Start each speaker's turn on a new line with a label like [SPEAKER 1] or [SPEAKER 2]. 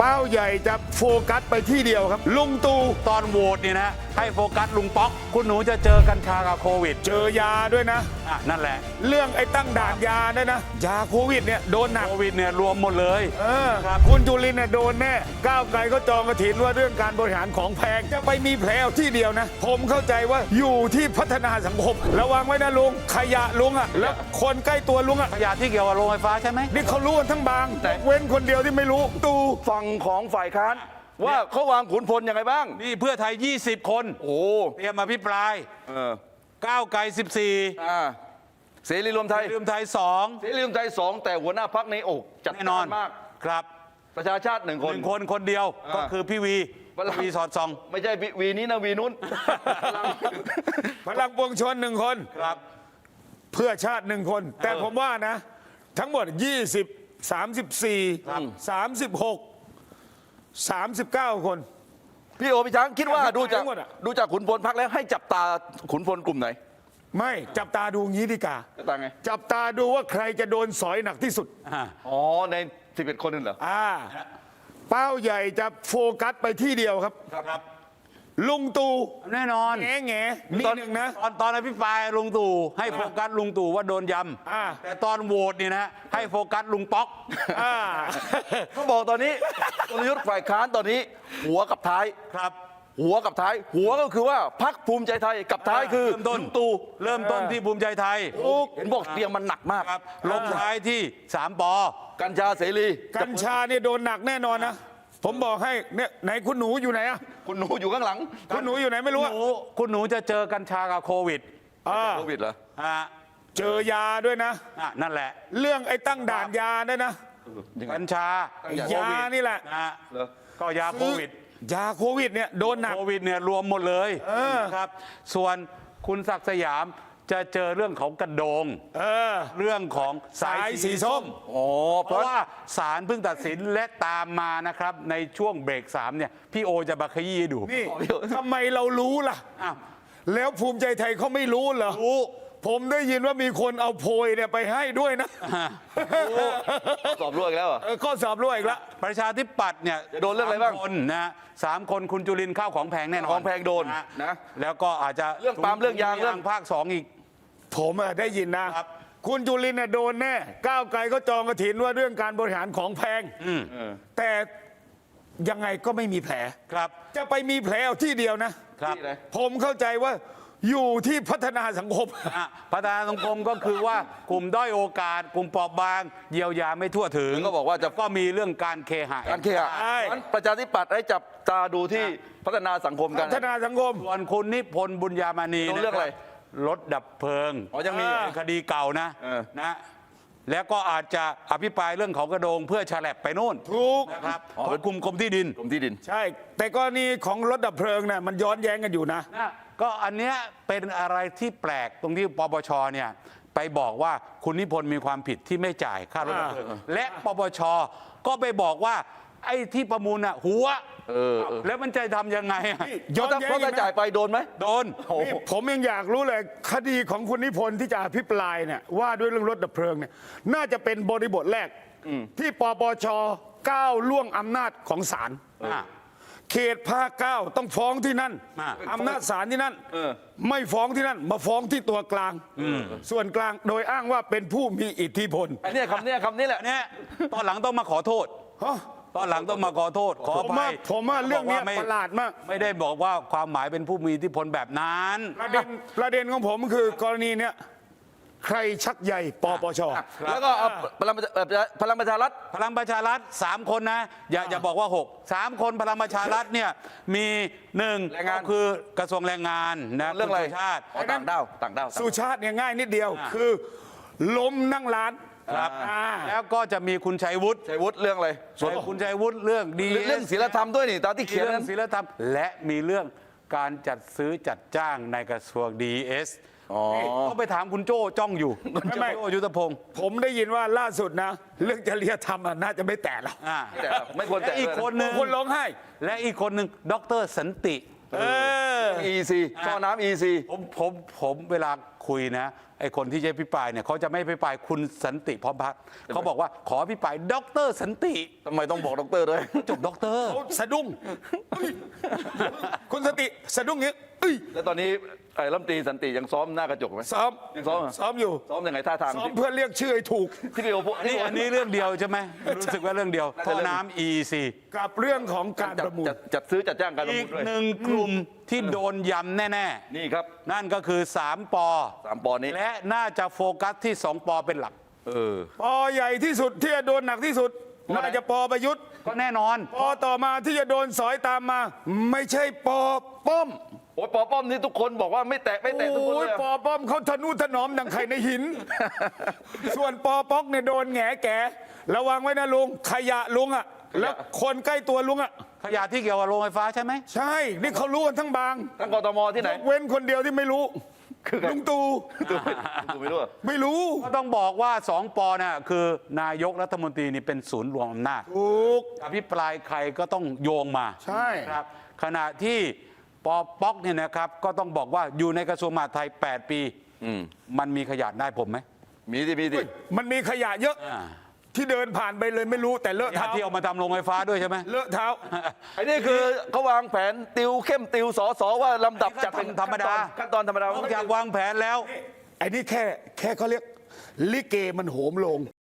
[SPEAKER 1] ป้าใหญ่จะโฟกัสไปที่เดียวครับลุงตู่
[SPEAKER 2] ตอนโหวตเนี่ยนะให้โฟกัสลุงป๊อกคุณหนูจะเจอกัญชากับโควิด
[SPEAKER 1] เจอยาด้วยนะ
[SPEAKER 2] นั่นแหละ
[SPEAKER 1] เรื่องไอ้ตั้งด่านยาด้วยนะยาโควิดเนี่ยโดนหนัก
[SPEAKER 2] โควิดเนี่ยรวมหมดเลย
[SPEAKER 1] ครับคุณจุลินเนี่ยโดนแน่ก้าวไกลก็จองกระถินว่าเรื่องการบริหารของแพงจะไปมีแผลที่เดียวนะผมเข้าใจว่าอยู่ที่พัฒนาสังคมระวังไว้นะลุงขยะลุงอ่ะแล้วคนใกล้ตัวลุงอ่ะ
[SPEAKER 2] ขยะที่เกี่ยวกับโรงไฟฟ้าใช่ไหม
[SPEAKER 1] นี่เขารู้กันทั้งบางแต่เว้นคนเดียวที่ไม่รู้ตู่
[SPEAKER 3] ฝั่งของฝ่ายค้านว่าเขาวางขุนพลยังไงบ้าง
[SPEAKER 2] นี่เพื่อไทย20 คน
[SPEAKER 3] โอ้
[SPEAKER 2] เตรียมมาพิปรายก้าวไกล14
[SPEAKER 3] เสรีรวมไทย
[SPEAKER 2] เสรีรวมไทย2
[SPEAKER 3] เสรีรวมไทย2แต่หัวหน้าพรรคในอกจัดแน่นอนมาก
[SPEAKER 2] ครับ
[SPEAKER 3] ประชาชาติ1
[SPEAKER 2] คนเดียวก็คือพี่วีสอดส่อง
[SPEAKER 3] ไม่ใช่วีนี้นะวีนู้น
[SPEAKER 1] พลังปวงชน1 คน
[SPEAKER 2] ครับ
[SPEAKER 1] เพื่อชาติ1 คนแต่ผมว่านะทั้งหมด20 34 36 39 คน
[SPEAKER 3] พี่โอพี่ช้างคิดว่าดูจากขุนพลพรรคแล้วให้จับตาขุนพลกลุ่มไหน
[SPEAKER 1] ไม่จับตาดูงี้ดีกว่า
[SPEAKER 3] จับตาไง
[SPEAKER 1] จับตาดูว่าใครจะโดนสอยหนักที่สุด
[SPEAKER 3] อ๋อใน11 คนนั่นเหรอ
[SPEAKER 1] เป้าใหญ่จะโฟกัสไปที่เดียวครับลุงตู่
[SPEAKER 2] แน่นอน
[SPEAKER 1] แง่มีหนึ่งนะ
[SPEAKER 2] ตอนอภิปรายลุงตู่ให้โฟกัสลุงตู่ว่าโดนยำแต่ตอนโหวตนี่นะให้โฟกัสลุงป๊อก
[SPEAKER 3] เขาบอกตอนนี้กลยุทธ์ฝ่ายค้านตอนนี้หัวกับท้าย
[SPEAKER 2] ครับ
[SPEAKER 3] หัวกับท้ายหัวก็คือว่าพรรคภูมิใจไทยกับท้ายคือ
[SPEAKER 2] ลุงตู่เริ่มต้นที่ภูมิใจไทย
[SPEAKER 3] เห็นบอกเตียงมันหนักมาก
[SPEAKER 2] ลงท้ายที่3 ป
[SPEAKER 3] กัญชาเสรี
[SPEAKER 1] กัญชาเนี่ยโดนหนักแน่นอนนะผมบอกให้เนี่ยไหนคุณหนูอยู่ไหนอะ
[SPEAKER 3] คุณหนูอยู่ข้างหลัง
[SPEAKER 1] คุณหนูอยู่ไหนไม่รู้
[SPEAKER 2] คุณหนูจะเจอกัญชากับโควิด
[SPEAKER 3] เหรอ
[SPEAKER 1] เจอยาด้วยนะ
[SPEAKER 2] นั่นแหละ
[SPEAKER 1] เรื่องไอ้ตั้งด่านยาด้วยนะ
[SPEAKER 2] กัญชาย
[SPEAKER 1] านี่แหละ
[SPEAKER 2] ก็ยาโควิด
[SPEAKER 1] ยาโควิดเนี่ยโดนหนัก
[SPEAKER 2] โควิดเนี่ยรวมหมดเลยครับส่วนคุณศักดิ์สยามจะเจอเรื่องของกระโดงเรื่องของสายสีส้มเพราะว่าศาลเพิ่งตัดสินและตามมานะครับในช่วงเบรก3เนี่ยพี่โอจะมาขยี้ดู
[SPEAKER 1] นี่ทำไมเรารู้ล่ะแล้วภูมิใจไทยเขาไม่รู้เหรอ
[SPEAKER 2] รู้
[SPEAKER 1] ผมได้ยินว่ามีคนเอาโพยเนี่ยไปให้ด้วยนะ
[SPEAKER 3] สอบรั่วอีกแล้ว
[SPEAKER 1] ก็สอบรั่วอีกแล้ว
[SPEAKER 2] ประชาธิปัตย์เนี่ย
[SPEAKER 3] โดนเรื่องอะไรบ้าง
[SPEAKER 2] คนนะ3 คนคุณจุลินข้าวของแพงแน่นอน
[SPEAKER 3] ของแพงโดนนะ
[SPEAKER 2] แล้วก็อาจจะ
[SPEAKER 3] เรื่องปาล์มเรื่องยางเรื่อง
[SPEAKER 2] ภาค2อีก
[SPEAKER 1] ผมได้ยินนะคุณจุลินโดนแน่ก้าวไกลก็จองกระถินว่าเรื่องการบริหารของแพงแต่ยังไงก็ไม่มีแผล
[SPEAKER 2] ครับ
[SPEAKER 1] จะไปมีแผลเอาที่เดียวนะครับผมเข้าใจว่าอยู่ที่พัฒนาสังคม
[SPEAKER 2] พัฒนาสังคมก็คือว่ากลุ่มด้อยโอกาสกลุ่มเปราะบางเยียวยาไม่ทั่วถึง
[SPEAKER 3] ก็บอกว่าจะ
[SPEAKER 2] ก็มีเรื่องการเคหะ
[SPEAKER 3] ประชาธิปัตย์ได้จับตาดูที่พัฒนาสังคมกัน
[SPEAKER 1] พัฒนาสังคม
[SPEAKER 2] ส่วนคุณนิพนธ์บุญญามณี
[SPEAKER 3] เรื่องอะไร
[SPEAKER 2] รถดับเพลิง
[SPEAKER 3] ยังมี
[SPEAKER 2] คดีเก่านะแล้วก็อาจจะอภิปรายเรื่องของกระโดงเพื่อฉลับไปนู่น
[SPEAKER 1] ถูก
[SPEAKER 2] นะครับของกรมที่ดิน
[SPEAKER 1] ใช่แต่กรณีของรถดับเพลิงเนี่ยมันย้อนแย้งกันอยู่นะ
[SPEAKER 2] ก็อันเนี้ยเป็นอะไรที่แปลกตรงที่ปปชเนี่ยไปบอกว่าคุณนิพนธ์มีความผิดที่ไม่จ่ายค่ารถดับเพลิงและปปชก็ไปบอกว่าไอ้ที่ประมูลหัวแล้วมันจะทำยังไง
[SPEAKER 3] เพราะถ้าจ่ายไปโดนไหม
[SPEAKER 2] โดน
[SPEAKER 1] ผมยังอยากรู้เลยคดีของคุณนิพนธ์ที่จะอภิปรายเนี่ยว่าด้วยเรื่องรถดับเพลิงเนี่ยน่าจะเป็นบริบทแรกที่ปปชก้าวล่วงอำนาจของศาลเขตภาค 9ต้องฟ้องที่นั่นอำนาจศาลที่นั่นไม่ฟ้องที่นั่นมาฟ้องที่ตัวกลางส่วนกลางโดยอ้างว่าเป็นผู้มีอิทธิพล
[SPEAKER 3] อันนี้คำนี้แหละ
[SPEAKER 2] เนี่ยตอนหลังต้องมาขอโทษตอนหลังต้องมาขอโทษขออภัย
[SPEAKER 1] ผมว่าเรื่องนี้ประหลาดมาก
[SPEAKER 2] ไม่ได้บอกว่าความหมายเป็นผู้มีอิทธิพลแบบนั้น
[SPEAKER 1] ประเด็นของผมคือกรณีเนี้ยใครชักใหญ่ปปช
[SPEAKER 3] แล้วก็พลังประชา
[SPEAKER 2] รัฐ3 คนนะอย่าบอกว่า3 คนพลังประชารัฐเนี่ยมี1ก็คือกระทรวงแรงงานนะ
[SPEAKER 3] เรื่องอะไร
[SPEAKER 2] ชาติ
[SPEAKER 3] ต่างด้าว
[SPEAKER 1] สุชาติเนี่ยง่ายนิดเดียวคือล้มนั่งร้าน
[SPEAKER 2] ครับแล้วก็จะมีคุณชัยวุฒิ
[SPEAKER 3] เรื่องอะไร
[SPEAKER 2] ส่วนคุณชัยวุฒิเรื่อง
[SPEAKER 3] ศีลธรรมด้วยนี่ตามที่เขียน
[SPEAKER 2] เรื่องศีลธรรมและมีเรื่องการจัดซื้อจัดจ้างในกระทรวง DS ก็ไปถามคุณโจ้จ้องอยู่คุณโจ้ยุทธพงศ์
[SPEAKER 1] ผมได้ยินว่าล่าสุดนะเรื่องจริยธรรมน่าจะไม่แตะแล้ว
[SPEAKER 3] ไม่ควรแตะ
[SPEAKER 2] อีกคนหนึ่ง
[SPEAKER 1] คนร้องไห้
[SPEAKER 2] และอีกคนหนึ่งดร.สันติ
[SPEAKER 3] EC ท่อน้ำ EC
[SPEAKER 2] ผมเวลาคุยนะไอ้คนที่จะพิปรายเนี่ยเขาจะไม่พิปรายคุณสันติพร้อมพัฒน์เขาบอกว่าขอพิปรายดรสันติ
[SPEAKER 3] ทำไมต้องบอกด็อกเตอร์ด้วย
[SPEAKER 2] จบด็อกเตอร์
[SPEAKER 1] เขาสะดุ้งเอ้ยคุณสติสะดุ้งอย่างนี้เอ้ย
[SPEAKER 3] แล้วตอนนี้ไอ้รัฐมนตรีสันติยังซ้อมหน้ากระจกไหม
[SPEAKER 1] ซ้อม
[SPEAKER 3] ยังซ้อมเหรอ
[SPEAKER 1] ซ้อมอยู่
[SPEAKER 3] ซ้อมยังไงท่าทาง
[SPEAKER 1] ซ้อมเพื่อเรียกชื่อให้ถูก
[SPEAKER 3] ที่พี่โอพูด
[SPEAKER 2] อันนี้เรื่องเดียวใช่ไหมรู้สึกว่าเรื่องเดียวท่อน้ำ EEC
[SPEAKER 1] กับเรื่องของการประมูล
[SPEAKER 3] จัดซื้อจัดจ้างการประ
[SPEAKER 2] อี
[SPEAKER 3] มู
[SPEAKER 2] ก
[SPEAKER 3] ลด้วย
[SPEAKER 2] หนึ่งกลุ่มที่โดนยำแน่
[SPEAKER 3] นี่ครับ
[SPEAKER 2] ๆ นั่นก็คือ 3 ปอ
[SPEAKER 3] 3 ปอนด์นี้
[SPEAKER 2] และน่าจะโฟกัสที่ 2 ปอเป็นหลัก
[SPEAKER 1] ปอใหญ่ที่สุดที่จะโดนหนักที่สุด
[SPEAKER 3] ปอไหน
[SPEAKER 1] น่าจะปอประยุทธ์
[SPEAKER 2] ก็แน่นอน
[SPEAKER 1] ปอต่อมาที่จะโดนสอยตามมา ไม่ใช่ปอป้อม
[SPEAKER 3] โอ้ยปอป้อมนี่ทุกคนบอกว่าไม่แตะทุกคน
[SPEAKER 1] โอ้
[SPEAKER 3] เลย ย
[SPEAKER 1] ปอป้อมเขาทะนุถนอมดังไข่ในหิน ส่วนปอป๊อกเนี่ยโดนแหงแก่ระวังไว้นะลุงขยะลุงอ่ะแล้วคนใกล้ตัวลุงอ่ะ
[SPEAKER 2] ขยะที่เกี่ยวกับโรงไฟฟ้าใช่ไหม
[SPEAKER 1] ใช่นี่เขารู้กันทั้งบาง
[SPEAKER 3] ทั้งกทมที่ไหน
[SPEAKER 1] ยกเว้นคนเดียวที่ไม่รู้
[SPEAKER 3] คือใคร
[SPEAKER 1] ลุงตู่
[SPEAKER 3] ดูไม่รู้อะ
[SPEAKER 1] ไม่รู้
[SPEAKER 2] ก็ต้องบอกว่า 2 ปอน่ะคือนายกรัฐมนตรีนี่เป็นศูนย์รวมอำนาจ
[SPEAKER 1] ถูก
[SPEAKER 2] อภิปรายใครก็ต้องโยงมา
[SPEAKER 1] ใช่
[SPEAKER 2] ครับขณะที่ปอป๊อกเนี่ยนะครับก็ต้องบอกว่าอยู่ในกระทรวงมหาดไทย 8 ปีมันมีขยะได้ผมไหม
[SPEAKER 3] มีที่
[SPEAKER 1] มันมีขยะเยอะที่เดินผ่านไปเลยไม่รู้แต่เลอะ
[SPEAKER 2] ขยะ
[SPEAKER 1] เท้า
[SPEAKER 2] ที่เอามาทำโรงไฟฟ้าด้วยใช่ไหม
[SPEAKER 1] เลอะเท้า
[SPEAKER 3] ไอ้นี่คือเขาวางแผนติวเข้มติวสอว่าลำดับจัดเป็น
[SPEAKER 2] ธรรมดา
[SPEAKER 3] ขั้นตอนธรรมดาน
[SPEAKER 2] อกจากวางแผนแล้ว
[SPEAKER 1] ไอ้นี่แค่เขาเรียกลิเกมันโหมลง